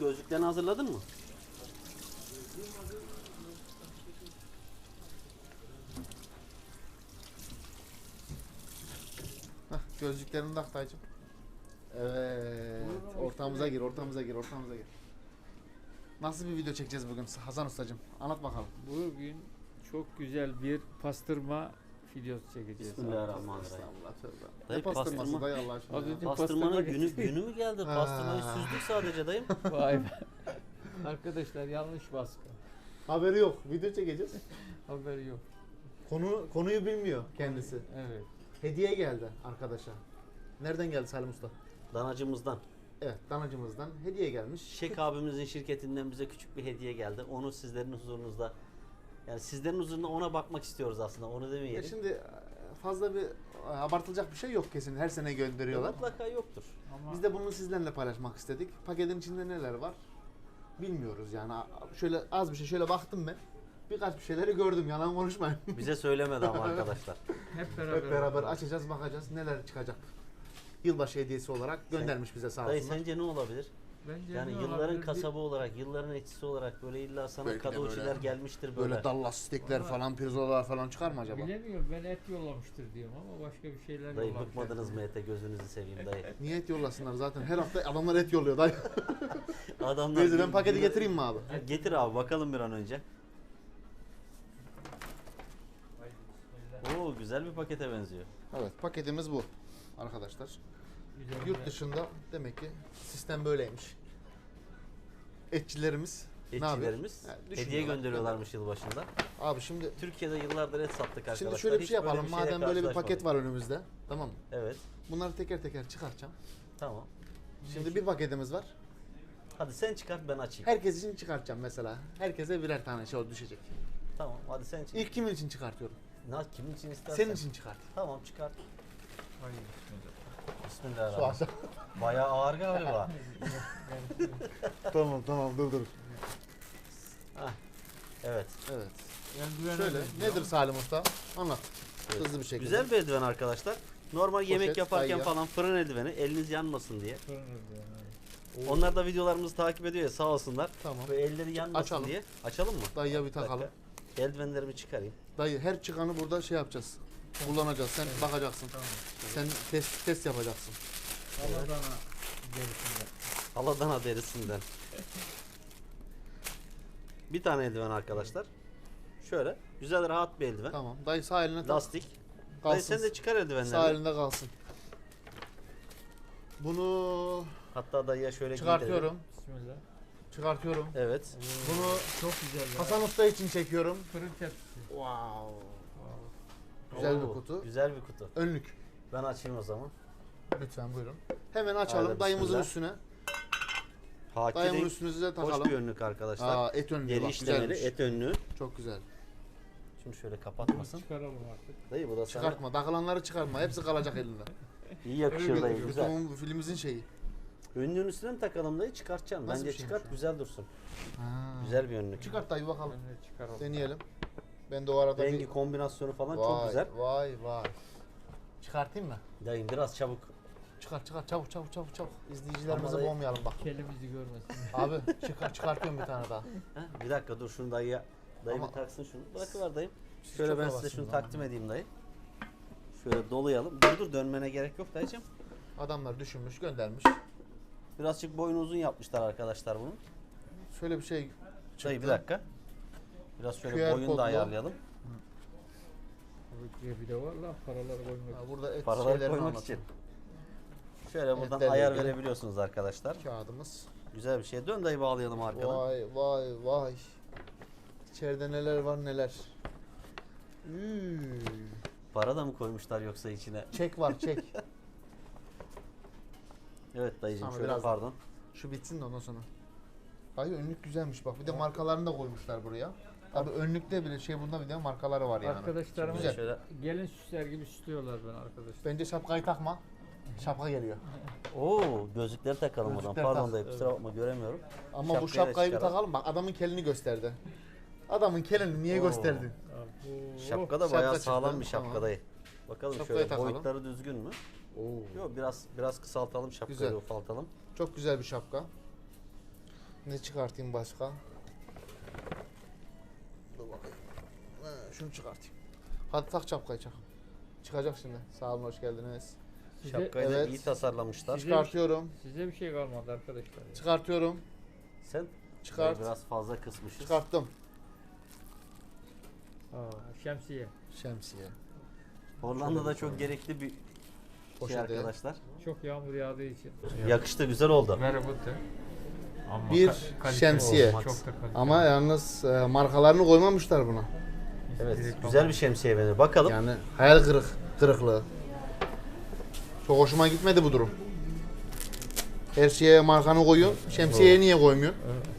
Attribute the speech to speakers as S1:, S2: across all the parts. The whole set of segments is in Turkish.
S1: gözlüklerini hazırladın mı?
S2: Hah, gözlüklerini tak dayıcım. Evet. Ortamıza gir. Nasıl bir video çekeceğiz bugün Hasan Ustacığım? Anlat bakalım.
S3: Bugün çok güzel bir pastırma videosu çekeceğiz.
S1: Bismillahirrahmanirrahim.
S2: Estağfurullah, tövbe.
S1: Dayı
S2: Ne pastırması
S1: pastırma-
S2: dayı Allah aşkına.
S3: Az
S2: ya?
S3: önce
S1: Pastırmanın
S3: pastırma
S1: günü mü geldi?
S2: Ha.
S1: Pastırmayı süzdük sadece dayım.
S3: Vay be. Arkadaşlar yanlış baskı.
S2: Haberi yok. Video çekeceğiz.
S3: Haberi yok.
S2: Konuyu bilmiyor kendisi.
S3: Evet.
S2: Hediye geldi arkadaşa. Nereden geldi Salim Usta?
S1: Danacımızdan.
S2: Evet, danacımızdan hediye gelmiş.
S1: Şek abimizin şirketinden bize küçük bir hediye geldi. Onu sizlerin huzurunuzda, yani sizlerin huzurunda ona bakmak istiyoruz aslında. Onu
S2: Ya
S1: demeyelim.
S2: şimdi fazla bir abartılacak bir şey yok kesin. Her sene gönderiyorlar.
S1: Mutlaka yoktur.
S3: Ama
S2: Biz de bunu sizlerle paylaşmak istedik. Paketin içinde neler var? Bilmiyoruz yani. Şöyle az bir şey şöyle baktım ben. Birkaç bir şeyleri gördüm. Yalan konuşmayın.
S1: Bize söylemedi ama arkadaşlar.
S3: hep beraber.
S2: Hep beraber açacağız, bakacağız neler çıkacak. Yılbaşı hediyesi olarak göndermiş bize sağ
S1: Dayı
S2: olsunlar.
S1: sence ne olabilir?
S3: Bence
S1: Yani
S3: ne
S1: yılların
S3: olabilir?
S1: kasabı olarak, yılların etçisi olarak böyle illa sana
S2: Belki de
S1: kadoçiler
S2: böyle-
S1: gelmiştir böyle.
S2: Böyle Dallas stekler
S3: Ama-
S2: falan, pirzolalar falan çıkar mı acaba?
S3: Bilemiyorum, ben et yollamıştır diyorum ama başka bir şeyler
S1: Dayı
S3: yollamıştır.
S1: bıkmadınız mı ete, gözünüzü seveyim dayı.
S2: Niyet yollasınlar zaten. Her hafta adamlar et yolluyor dayı.
S1: Adamlar
S2: Neyse ben paketi getireyim mi abi?
S1: Getir abi bakalım bir an önce. Oo güzel bir pakete benziyor.
S2: Evet, paketimiz bu arkadaşlar.
S3: Güzel
S2: Yurt dışında demek ki sistem böyleymiş. Etçilerimiz ne yapıyor?
S1: Etçilerimiz
S2: Yani
S1: hediye
S2: düşünüyorlar.
S1: gönderiyorlarmış yılbaşında.
S2: Abi şimdi
S1: Türkiye'de yıllardır et sattık arkadaşlar.
S2: şimdi şöyle bir
S1: Hiç
S2: şey yapalım.
S1: bir şeyle
S2: Madem böyle bir paket
S1: karşılaşmadık.
S2: var önümüzde. Tamam mı?
S1: Evet
S2: Bunları teker teker çıkartacağım.
S1: tamam.
S2: Şimdi bir paketimiz var.
S1: Hadi sen çıkart ben açayım.
S2: Herkes için çıkartacağım mesela. Herkese birer tane şey düşecek.
S1: Tamam hadi sen çıkart.
S2: İlk kimin için çıkartıyorum?
S1: Kimin için istersen.
S2: Senin için çıkart.
S1: Tamam çıkart.
S3: Hayır, bismillah.
S2: Su
S1: Bismillahirrahmanirrahim.
S2: aşağı.
S1: Bayağı ağır galiba.
S2: Tamam dur.
S1: Hah, evet.
S2: Evet.
S3: Eldivene
S2: Şöyle
S3: benziyor.
S2: nedir Salim Usta? Anlat.
S1: Evet.
S2: Hızlı bir şekilde.
S1: Güzel bir eldiven arkadaşlar. Normal yemek
S2: Poşet,
S1: yaparken
S2: dayıya.
S1: falan fırın eldiveni eliniz yanmasın diye.
S3: Fırın eldiveni.
S1: Onlar da videolarımızı takip ediyor ya sağ olsunlar.
S2: Tamam.
S1: Ve elleri yanmasın
S2: Açalım.
S1: diye. Açalım mı?
S2: Dayıya bir
S1: Bir dakika.
S2: takalım.
S1: Eldivenlerimi çıkarayım.
S2: Dayı her çıkanı burada şey yapacağız. Kullanacağız. Sen bakacaksın.
S3: Tamam.
S2: Sen test yapacaksın.
S3: Aladana gerisinde.
S1: Aladana derisinden. Bir tane eldiven arkadaşlar. Şöyle güzel rahat bir eldiven.
S2: Tamam. Dayı sağ eline tak.
S1: Lastik. Dayı
S2: Kalsın.
S1: sen de çıkar
S2: Sağ
S1: eldivenleri.
S2: elinde kalsın. Bunu
S1: Hatta dayıya şöyle
S2: çıkartıyorum.
S3: Bismillah.
S2: Çıkartıyorum.
S1: Evet.
S2: Bunu
S3: Çok güzel. ya.
S2: Hasan Usta için çekiyorum.
S3: Fırın tepsisi.
S2: Wow. Güzel bir
S1: Oo,
S2: kutu.
S1: Güzel bir kutu.
S2: Önlük.
S1: Ben açayım o zaman.
S2: Lütfen buyurun. Hemen açalım
S1: Haydi
S2: dayımızın
S1: bismillah.
S2: üstüne.
S1: Haki
S2: Dayımın
S1: renk,
S2: üstüne size
S1: hoş
S2: takalım.
S1: bir önlük arkadaşlar.
S2: Et önlüğü
S1: Deri
S2: bak
S1: işlemeli
S2: güzelmiş.
S1: et önlüğü.
S2: Çok güzel.
S1: Şimdi şöyle kapatmasın.
S3: Çıkaralım artık.
S1: Dayı bu da sana
S2: Çıkartma. Takılanları çıkartma. Hepsi kalacak elinde.
S1: iyi yakışır dayı güzel.
S2: Lütfen filmimizin şeyi.
S1: Önlüğün üstüne mi takalım dayı çıkartacağım.
S2: Nasıl
S1: Bence
S2: bir şeymiş
S1: çıkart
S2: o?
S1: güzel dursun.
S2: Ha.
S1: Güzel bir önlük.
S2: Çıkart dayı bakalım.
S3: Ben de çıkaralım.
S2: Deneyelim. Ben de o arada
S1: Rengi
S2: bir...
S1: kombinasyonu falan
S2: Vay,
S1: çok güzel.
S2: Vay. Çıkartayım mı?
S1: Dayım biraz çabuk.
S2: Çıkar çabuk. İzleyicilerimizi
S1: Ama dayı-
S2: boğmayalım bak.
S3: Kelimizi görmesin.
S2: Abi çıkartıyorum bir tane daha.
S1: Ha, bir dakika dur şunu dayıya. Dayı
S2: Ama-
S1: bir taksın şunu. Bırakıver dayım.
S2: Siz
S1: Şöyle
S2: çok
S1: ben size
S2: havasınız
S1: şunu
S2: ama.
S1: takdim edeyim dayı. Şöyle dolayalım. Dur dönmene gerek yok dayıcım.
S2: Adamlar düşünmüş, göndermiş.
S1: Birazcık boyunu uzun yapmışlar arkadaşlar bunu.
S2: Şöyle bir şey çıktı.
S1: Dayı bir dakika. Biraz şöyle
S2: QR
S1: boyunu
S2: kodlu.
S1: da ayarlayalım.
S3: Burada bir de var lan paraları koymak.
S2: Ha, burada et
S1: Paraları
S2: şeylerini
S1: koymak
S2: anlatıyor.
S1: için. Şöyle buradan
S2: Etlerle
S1: ayar
S2: ilgili.
S1: verebiliyorsunuz arkadaşlar.
S2: Kağıdımız.
S1: Güzel bir şey. Dön dayı bağlayalım arkadan.
S2: Vay. İçeride neler var neler. Üü.
S1: Para da mı koymuşlar yoksa içine?
S2: Çek var çek.
S1: Evet dayıcım
S2: Sana
S1: şöyle
S2: biraz-
S1: pardon.
S2: Şu bitsin de ondan sonra. Dayı önlük güzelmiş bak. Bir de markalarını da koymuşlar buraya. Tabii önlükte bile bunda bir de markaları var yani.
S3: Arkadaşlarımız
S2: Güzel.
S1: Şöyle.
S3: gelin süsler gibi süslüyorlar ben arkadaşlar.
S2: Bence şapkayı takma. Şapka geliyor.
S1: Oo gözlükleri takalım o zaman.
S2: Gözlükleri
S1: Pardon
S2: tak.
S1: dayı kusura bakma göremiyorum.
S2: Ama
S1: Şapkayı
S2: bu
S1: da
S2: şapkayı bir
S1: çıkaralım.
S2: takalım. Bak adamın kelini gösterdi. Adamın kelini niye
S1: Oo.
S2: gösterdin?
S1: Şapka da
S2: Şapka
S1: bayağı
S2: çıktı,
S1: sağlam bir şapka
S2: tamam.
S1: dayı. Bakalım
S2: Şapkayı
S1: şöyle
S2: takalım.
S1: boyutları düzgün mü?
S2: Oo.
S1: Yok biraz kısaltalım şapkayı
S2: Güzel.
S1: ufaltalım.
S2: Çok güzel bir şapka. Ne çıkartayım başka? Dur bakayım. Şunu çıkartayım. Hadi tak şapkayı çak. Çıkacak şimdi. Sağ olun, hoş geldiniz.
S3: Size,
S1: Şapkayı da
S2: Evet.
S1: iyi tasarlamışlar.
S3: Size-
S2: Çıkartıyorum.
S3: size bir şey kalmadı arkadaşlar.
S2: Çıkartıyorum.
S1: Sen
S2: Çıkart.
S1: biraz fazla kısmışız.
S2: Çıkarttım.
S3: Şemsiye.
S2: Şemsiye.
S1: Hollanda'da çok gerekli bir şey
S2: Poşeti.
S1: arkadaşlar.
S3: Çok yağmur yağdığı için.
S1: Yakıştı, güzel oldu.
S3: Very good. Ama
S2: Bir
S3: kalite
S2: şemsiye.
S3: olmaz. Çok da kaliteli.
S2: Ama yalnız markalarını koymamışlar buna.
S1: Evet,
S3: Direkt
S1: güzel bir şemsiye beni. Bakalım.
S2: Yani hayal kırıklığı. Çok hoşuma gitmedi bu durum. Her şeye markanı koyuyor. Şemsiyeye niye koymuyor?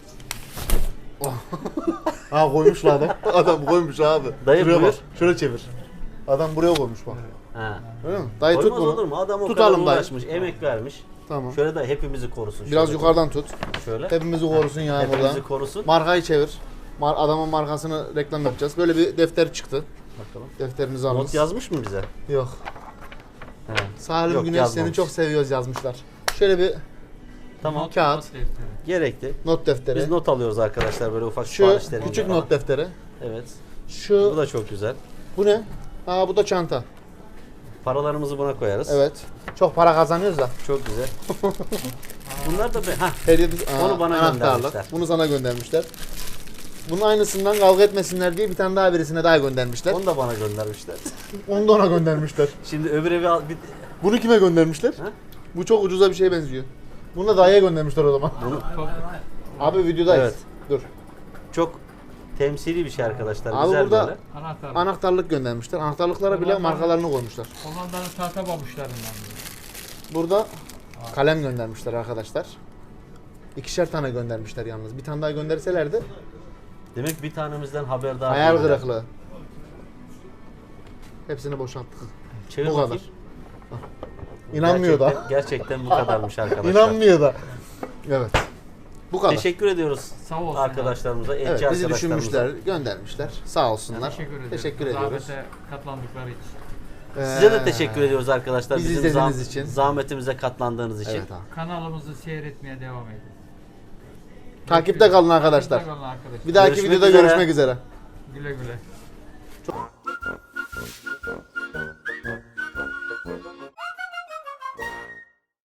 S2: Ha koymuş la adam. Adam koymuş abi.
S1: Dayı
S2: Şuraya
S1: buyur.
S2: bak. Şöyle çevir. Adam buraya koymuş bak.
S1: Ha.
S2: Öyle mi? Dayı tut
S1: Koymaz olur
S2: bunu.
S1: mu? Adam o
S2: Tutalım
S1: kadar
S2: dayı.
S1: uğraşmış, emek vermiş.
S2: Tamam.
S1: Şöyle de hepimizi korusun.
S2: Biraz
S1: Şöyle
S2: yukarıdan tut.
S1: Şöyle.
S2: Hepimizi korusun yani burada.
S1: Hepimizi korusun.
S2: Markayı çevir. Adamın markasını reklam yapacağız. Böyle bir defter çıktı.
S1: Bakalım.
S2: Defterinizi alınız.
S1: Not yazmış mı bize?
S2: Yok.
S1: He.
S2: Salim
S1: Yok,
S2: Güneş
S1: yazmamış.
S2: seni çok seviyoruz yazmışlar. Şöyle bir
S1: Tamam.
S2: kağıt,
S3: Not defteri.
S1: Gerekli.
S2: not defteri.
S1: Biz not alıyoruz arkadaşlar böyle ufak
S2: Şu
S1: siparişlerinde
S2: küçük
S1: falan.
S2: not defteri.
S1: Evet.
S2: Şu
S1: Bu da çok güzel.
S2: bu ne? Aa bu da çanta.
S1: Paralarımızı buna koyarız.
S2: Evet. Çok para kazanıyoruz da.
S1: Çok güzel. Bunlar da
S2: Hediye
S1: Onu bana
S2: anahtarlık.
S1: göndermişler.
S2: Bunu sana göndermişler. Bunun aynısından kavga etmesinler diye bir tane daha birisine daha göndermişler.
S1: onu da bana göndermişler.
S2: Onu da ona göndermişler.
S1: Şimdi öbür evi al.
S2: Bunu kime göndermişler?
S1: Ha?
S2: Bu çok ucuza bir şeye benziyor. Bunu da dayıya göndermişler o zaman. Abi videodayız.
S1: Evet.
S2: Dur.
S1: Çok temsili bir şey arkadaşlar.
S2: Abi
S1: Güzel
S2: burada-
S1: böyle.
S3: Anahtar.
S2: Anahtarlık göndermişler. Anahtarlıklara bile markalarını koymuşlar.
S3: Hollanda'nın tahta pabuçlarından.
S2: Burada kalem göndermişler arkadaşlar. İkişer tane göndermişler yalnız. Bir tane daha gönderselerdi
S1: Demek bir tanemizden haberdar
S2: hayal
S1: değiller.
S2: kırıklığı. Hepsini boşalttık.
S1: Çevir
S2: Bu kadar.
S1: bakayım.
S2: İnanmıyor da.
S1: Gerçekten bu kadarmış arkadaşlar.
S2: İnanmıyor da. Evet. Bu kadar.
S1: Teşekkür ediyoruz
S3: Sağ olsun.
S1: arkadaşlarımıza, etçi
S2: Evet, bizi
S1: arkadaşlarımıza.
S2: düşünmüşler, göndermişler. Sağ olsunlar.
S3: Teşekkür ederiz.
S2: ediyoruz.
S3: Zahmete katlandıkları için.
S1: Size de teşekkür ediyoruz arkadaşlar.
S2: Bizi
S1: Bizim
S2: izlediğiniz için.
S1: zahmetimize katlandığınız için.
S2: Evet abi.
S3: Kanalımızı seyretmeye devam edin.
S2: Takipte kalın arkadaşlar.
S3: Takipte kalın arkadaşlar.
S2: Bir dahaki
S1: Görüşmek
S2: videoda
S1: üzere.
S2: görüşmek üzere.
S3: Güle güle.